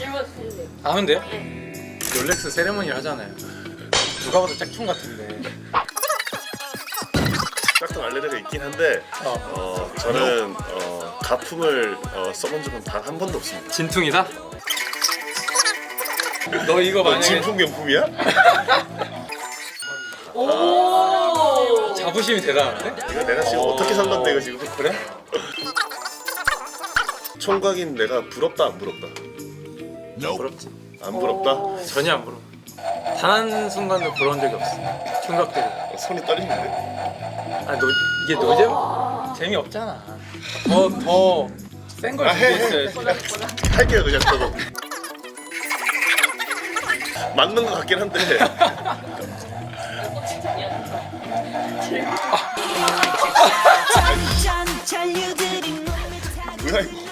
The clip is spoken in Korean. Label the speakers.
Speaker 1: 해봐주실래요?
Speaker 2: 하면 돼요? 롤렉스 세레모니를 하잖아요. 누가 봐도 짝퉁 같은데.
Speaker 3: 짝퉁 알레르기가 있긴 한데 저는 가품을 써본 적은 단 한 번도 없습니다.
Speaker 2: 진퉁이다? 너 이거
Speaker 3: 너
Speaker 2: 만약에
Speaker 3: 진품 명품이야?
Speaker 1: 오.
Speaker 2: 자부심이 대단한데?
Speaker 3: 이거 내가 지금 어떻게 산 건데 이거 지금.
Speaker 2: 그래?
Speaker 3: 총각인 내가 부럽다 안 부럽다?
Speaker 2: 부럽지.
Speaker 3: 안 부럽다?
Speaker 2: 전혀 안 부러워. 단 한 순간도 부러운 적이 없어. 총각들이.
Speaker 3: 손이 떨리는데?
Speaker 2: 아, 이게 노잼? 재미없잖아. 더 센 걸 준비했어야지.
Speaker 3: 할게요 그냥 저거. 맞는 것 같긴 한데. 뭐야 이거?